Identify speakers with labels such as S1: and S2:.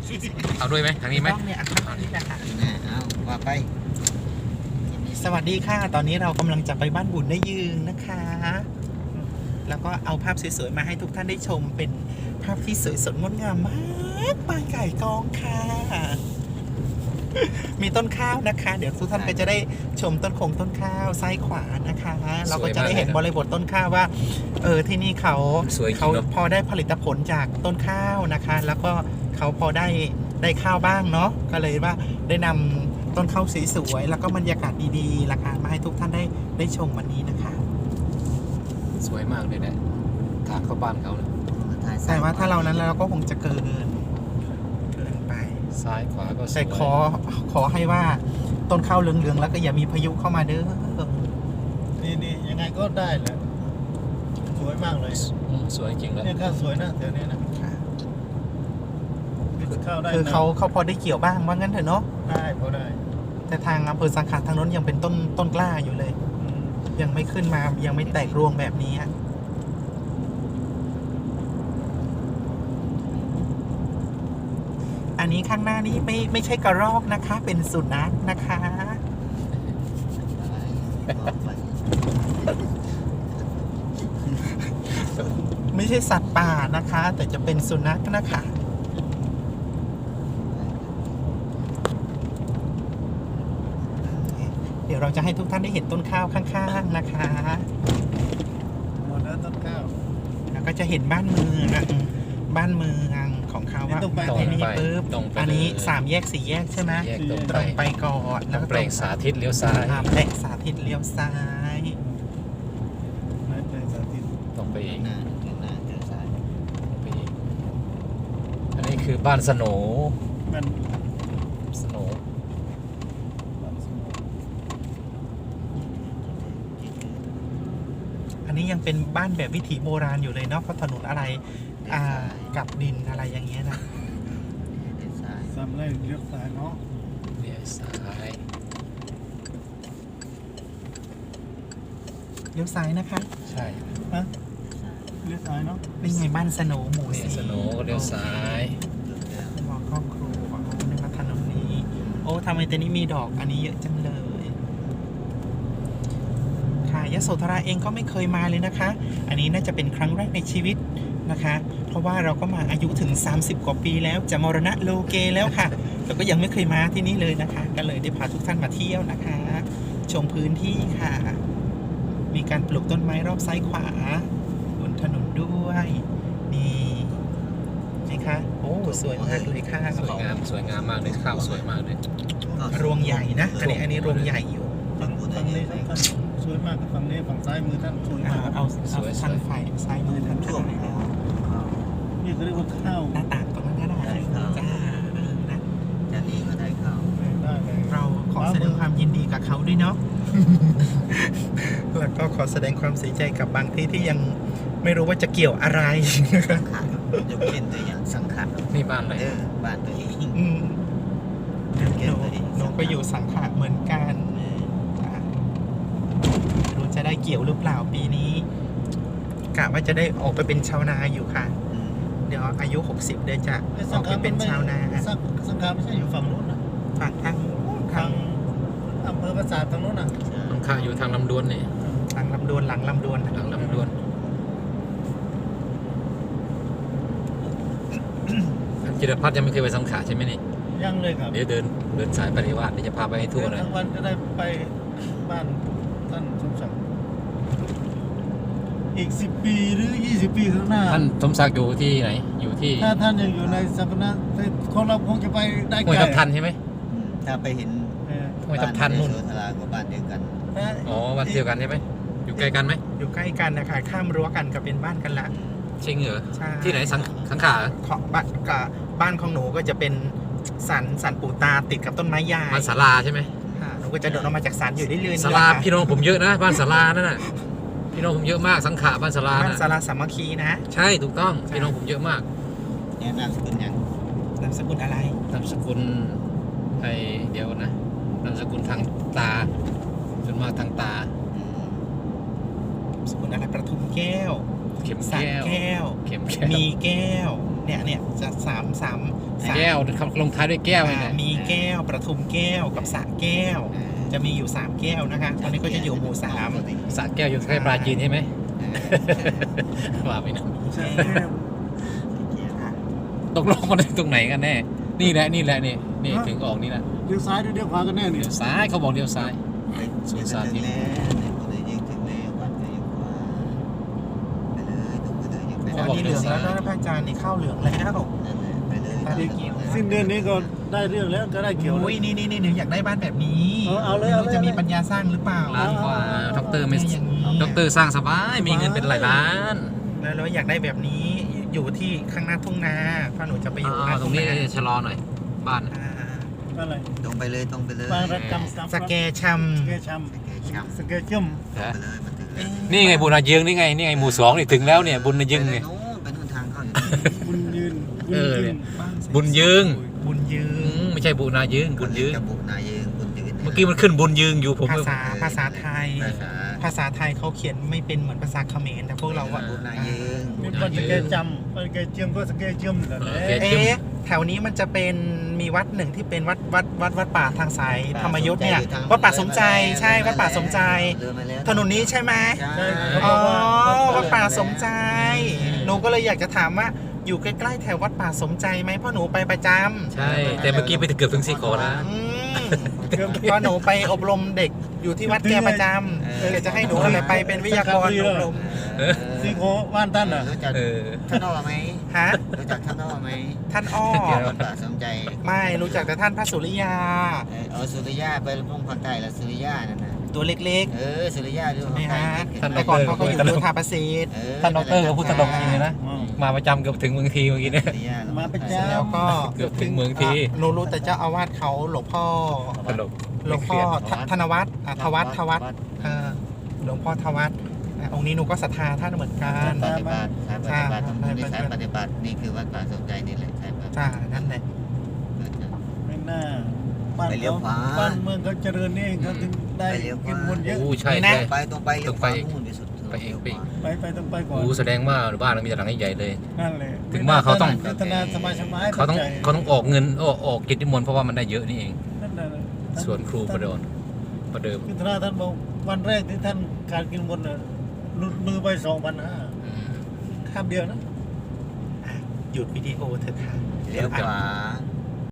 S1: เอาด้วยไหมทางนี้ไหม
S2: ต้องเนี่ยอันนี้นะคะ
S3: เอาว่าไป
S2: สวัสดีค่ะ ตอนนี้เรากำลังจะไปบ้านบุญได้ยืนนะคะ แล้วก็เอาภาพสวยๆมาให้ทุกท่านได้ชมเป็นภาพที่สวยสดงดงามมากปลายไก่กองค่ะ มีต้นข้าวนะคะ เดี๋ยวทุกท่านก็จะได้ชมต้นต้นข้าวซ้ายขวานะคะ เราก็จะได้เห็นบริบทต้นข้าวว่าที่นี่เขาพอได้ผลิตผลจากต้นข้าวนะคะ แล้วก็เขาพอได้ข้าวบ้างเนาะก็เลยว่าได้นำต้นข้าวสวยๆแล้วก็บรรยากาศดีๆราคามาให้ทุกท่านได้ชมวันนี้นะคะ
S1: สวยมากเลยนะทางเข้าบ้านเขาเลย
S2: แต่ว่าถ้าเรานั้นเราก็คงจะเกินไป
S1: ซ้ายขวาก็สวย
S2: แต่ขอให้ว่าต้นข้าวเหลืองๆแล้วก็อย่ามีพายุเข้ามาเด้อ
S3: นี่ยังไงก็ได้แหละสวยมากเลย
S1: สวยจริงเลย
S3: เนี่ยข้าวสวยนะเดี๋ยวนี้นะข้าวได้
S2: คือเขาพอได้เกี่ยวบ้างว่างั้นเถอะเนาะ
S3: ได้พอได้
S2: แต่ทางอำเภอสังขารทางโน้นยังเป็นต้นกล้าอยู่เลย ยังไม่ขึ้นมายังไม่แตกรวงแบบนี้อะอันนี้ข้างหน้านี้ไม่ใช่กระรอกนะคะ เป็นสุนัขนะคะ ไม่ใช่สัตว์ป่านะคะ แต่จะเป็นสุนัขนะคะ เดี๋ยวเราจะให้ทุกท่านได้เห็นต้นข้าวข้างๆนะคะ
S3: หมดแล้วต้นข้าว
S2: แล้วก็จะเห็นบ้านเมืองของเขาว่า
S3: นี่ต้องไป
S2: ไอ้นี่ปุ๊บ
S1: ตรงไป
S2: อันนี้3 แยก 4 แยกใช่ไหม
S1: แยกตรง
S2: ตรงไปก่อนแล้วก็
S1: แปลงสาธิตเลี้ยวซ้าย
S2: แปลงสาธิตเลี้ยวซ้าย
S3: ไม่เป็นสาธิต
S1: ตรงไปอีก
S3: หน้าเจอสาย
S1: ตรงไปอีกอันนี้คือบ้านสโหน
S3: มัน
S1: สโหน
S2: อันนี้ยังเป็นบ้านแบบวิถีโบราณอยู่เลยเนาะเพราะถนนอะไรกับดินอะไรอย่างเงี้ยนะ
S3: ซ้ำเลยเลี้ยวซ้ายเนาะ
S1: เลี้ยวซ้าย
S2: เลี้ยวซ้ายนะคะ
S1: ใช่
S3: เลี้ยวซ้ายเนาะ
S2: นี่ไงบ้านสโหนหมู่
S1: นี่
S2: สี่
S1: สโหนก็เลี้ยวซ้าย
S2: มองครอบครัวนึกว่าถนนนี้โอ้ทำไมแต่นี้มีดอกอันนี้เยอะจังเลยค่ะยโสธราเองก็ไม่เคยมาเลยนะคะ อันนี้น่าจะเป็นครั้งแรกในชีวิตนะคะ เพราะว่าเราก็มาอายุถึง30 กว่าปีแล้วจะมรณะโลเกแล้วค่ะแต่ก็ยังไม่เคยมาที่นี่เลยนะคะก็เลยได้พาทุกท่านมาเที่ยวนะคะ ชมพื้นที่ค่ะ มีการปลูกต้นไม้รอบซ้ายขวาบนถนนด้วยนี่นะคะโอ้สวยมากเลยค่ะ
S1: สวยงามมากเลยข้าวสวยมากเลย
S2: รวงใหญ่นะอันนี้รวงใหญ่อยู่
S3: ฝั่งนี้ท่านสวยมากฝั่งนี้ฝั่งซ้ายมือท่านสวยมาก
S2: เอาทางฝ่ายซ้ายมือท่านก็ได้นะ
S3: นี่เขาเรียกว่าข้าว
S2: หน้าต่างตรงนั้นก็ได้จ้านะ
S3: จะนี้ก็ได้ข้าวได้เลย
S2: เราขอแสดงความยินดีกับเขาด้วยเนาะ แล้วก็ขอแสดงความเสียใจกับบางที่ที่ยังไม่รู้ว่าจะเกี่ยวอะไร
S3: ยกเว้นตัวอย่างสังขาร
S1: นี่บ้านอะไร
S3: บ้านตัวเอง
S2: อืมหนูก็อยู่สังขะเหมือนกันจ้ะรู้จะได้เกี่ยวหรือเปล่าปีนี้กะว่าจะได้ออกไปเป็นชาวนาอยู่ค่ะ เดี๋ยวอายุ 60เดี๋ยวจะออกไปเป็นชาวนา
S3: สังขารไม่ใช่อยู่ฝั่งนู้นนะ
S2: ฝั่งทาง
S3: ทางอำเภอปราสาททางนู้นนะ
S1: ข้าอยู่ทางลำดวนนี่
S2: ทางลำดวนหลังลำดวน
S1: หลังลำดวนท่านจิรพัฒน์ยังไม่เคยไปสังขารใช่ไหมนี่
S3: ยังเลยครับ
S1: เดี๋ยวเดินสายปฏิวัติเดี๋ยวจะพาไปให้ทั่วเลย
S3: ทั้งวันจะได้ไปบ้านท่านสมศักดิ์อีก10 ปีหรือ20 ปีข้างหน้า
S1: ท่านสมศักดิ์อยู่ที่ไหนอยู่ที่
S3: ถ้าท่านยังอยู่ในสังกัดของเราคงจะไปได้
S1: ห้วย
S3: ไกล
S1: ทับทันใช่ไหม
S4: ถ้าไปเห็น
S1: ห้วยทับทันนู่น
S4: โสธรากับบ้านเดียวกัน
S1: อ๋อวันเดียวกันใช่ไหมอยู่ใกล้กันไหม
S2: อยู่ใกล้กันนะคะข้ามรั้วกันก็เป็นบ้านกันละ
S1: จริงเหรอ
S2: ใช่
S1: ที่ไหนสังขาร
S2: ของบ้านของหนูก็จะเป็นสันปู่ตาติดกับต้นไม้ใหญ่
S1: บ้านศาลาใช่ไหม
S2: ค่ะหนูก็จะโดดออกมาจากสันอยู่เรื่อยๆ
S1: ศาลาพี่น้องผมเยอะนะบ้านศาลานั่นน่ะพี่น้องผมเยอะมากสังขารบ้านศาลา
S2: บ้าน
S1: น่ะ
S2: สาราสามัคคีนะ
S1: ใช่ถูกต้องพี่น้องผมเยอะมาก
S4: เนี่ยนามสกุลยัง
S2: นามสกุลอะไร
S1: นามสกุลเดี๋ยวนะนามสกุลทางตาส่วนมากทางตา
S2: นามสกุลอะไรประทุมแก้ว
S1: เข็ม
S2: สัก
S1: แก้ว
S2: แก้ว
S1: เข็มแก้ว
S2: มีแก้วเนี่ยจะสาม
S1: แก้วคำลงท้ายด้วยแก้วเลยนะ
S2: มีแก้วประทุมแก้วกับสระแก้ว จะมีอยู่ 3 แก้วนะคะตอนนี้ก็จะอยู่หมู่ 3
S1: สระแก้วอยู่ใกล้ปลาจีนใช่ไหมว่าไปนะ
S3: ใช่
S1: ตกลงมันตรงไหนกันแน่นี่แหละนี่ถึงออกนี่แหละ
S3: เลี้ยวซ้ายหรือเลี้ยวขวากันแน่เนี่ย
S1: เดี๋ยวซ้ายเขาบอกเดี๋ยวซ้าย
S4: สวนสาธิตแล้วในคนเลยยิงถึงแล้ววัดเลยยิงกว่าไปเลยตรงไปเลยยิงไป
S2: อันนี้เหลืองแล้วนะพระอาจารย์นี่ข้าวเหลืองแล้ว
S4: นั่นแหละไปเลย
S2: ตาเกี่ยว
S3: สิ้นเดือนนี้ก็ได้เรื่องแล้วก็ได้เกี่ยว
S2: อุ้ยนี่หนูอยากได้บ้านแบบนี้
S3: เอาเลย
S2: ไม่รู้จะมีปัญญาสร้างหรือเปล่า
S1: ล้านกว่าด็อกเตอร์ไม่
S2: อย่างนี้
S1: ด็อกเตอร์สร้างสบายมีเงินเป็นหลายล้าน
S2: แล้วอยากได้แบบนี้อยู่ที่ข้างหน้าทุ่งนาถ้าหนูจะไปอยู่ข้างหน้า
S1: ตร
S2: ทุ่
S1: ง
S2: ง
S1: นี้
S2: นา
S1: ชะลอหน่อยบ้าน
S2: อ่า
S3: อะไร
S4: ตรงไปเลยตรงไปเลย
S3: บางรักกรรมสาม
S2: สแกชำ
S3: สเกชัม
S4: ช้ำ
S3: สเกจุ่ม
S4: ไปเลยมันถึงแล้ว
S1: นี่ไงบุญนายึงนี่ไงหมู่2นี่ถึงแล้วเนี่ยบุญนายึงเนี่ย
S4: ไปนู่นทางเข้าอยู่
S3: บุญยืน
S1: เออ
S3: ยืน
S1: บุญยืง
S2: บุญยืน
S1: ไม่ใช่บุญนายึงบุญยืง
S4: จะบุญนายยืนบุญยืน
S1: เมื่อกี้มันขึ้นบุญยืงอยู่ผม
S2: ภาษาไทย ภาษาไทยเขาเขียนไม่เป็นเหมือนภาษาเขมรแต่พวกเราอะ
S4: บุญนายยืน
S3: มีคนสเกจำสเกจุ่มก็สเกจุ่มแหละ
S2: แถวนี้มันจะเป็นมีวัดหนึ่งที่เป็นวัดป่าทางสายธรรมยุทธ์เนี่ยวัดป่าสมใจใช่วัดป่าสมใจ ถนนนี้ใช่ไหม
S4: ใช่
S2: อ๋อวัดป่าสมใจหนูก็เลยอยากจะถามว่าอยู่ใกล้ๆแถววัดป่าสมใจไหมเพราะหนูไปประจำ
S1: ใช่ แต่เมื่อกี้ไปเกือบถึงสีขอแล้ว
S2: เพราะหนูไปอบรมเด็กอยู่ที่วัดแกประจำแกจะให้หนูไปเป็นวิทยากรอบรม
S3: ซีโคบ้านท่านอ่ะ
S4: รู้จัก
S1: เออ
S4: ท่านอ้อไหม
S2: ฮะ
S4: รู้จักท่านอ้อไหม
S2: ท่านอ้อ
S4: วัดป่าสมใจ
S2: ไม่รู้จักแต่ท่านพระสุริยา
S4: สุริยาไปลงภาคใต้แล้วสุริยานั่นนะ
S2: ตัวเล็ก
S4: สุริยาดู
S2: ๆนี่ฮะ
S1: ท่าน
S2: แต่ก่อนเขาก็อยู่ดูทาประสิทธิ์
S1: ท่านดอกเตอร์ก็พูดตลกจริงเลยนะ มาประจำเกือบถึงเมืองทีเมื่อกี้เนี่ย
S3: มาประจ
S2: แล้วก็
S1: เกือบถึงเมืองที
S2: หนูรู้แต่เจ้าอาวาสเขาหลวงพ่อ
S1: ตลก
S2: หลวงพ่อธนวัฒน์ทวัฒน์หลวงพ่อทวัฒน์องค์นี้หนูก็ศรัทธาท่านเหมือนกัน
S4: ปฏิบัติสายปฏิบัติตรงนี้สายปฏิบัตินี่คือวัดป่าสมใจนี่แหละสายปฏิบัติ
S2: จ้านั่นแหละ
S3: ำไม่น่าบ้าน
S4: ไปเลี้ยวขวา
S3: บ้านเมืองเขาเจริญนี่เองเขาถึงได้
S4: ไปเลี้ยวขวา
S3: กินบุญเยอะ
S1: โอ้ใช่
S2: นี่นะ
S1: ใช่
S4: ไปตรงไปเลี้ยวขวานู่นไปสุด
S1: ไปเองไป
S3: ไปต้องไปก่อน
S1: โอ้แสดงว่าบ้านเรามีแต่หลังใหญ่ๆเลย
S3: นั่นเลย
S1: ถึงว่าเขาต้อง
S3: พัฒนาสบายสบาย
S1: เขาต้องออกเงินออกกิจนิมนต์เพราะว่ามันได้เยอะนี่เอง
S3: นั่นน่ะ
S1: ส่วนครูประเดิม
S3: คือท่านบอกวันแรกที่ท่านการกินบุญน่ะหลุดมือไป2,500
S1: อืม
S3: ข้ามเดียวนะ
S2: หยุดวิดีโอเถอะค่ะ
S4: เลี้ยวขวา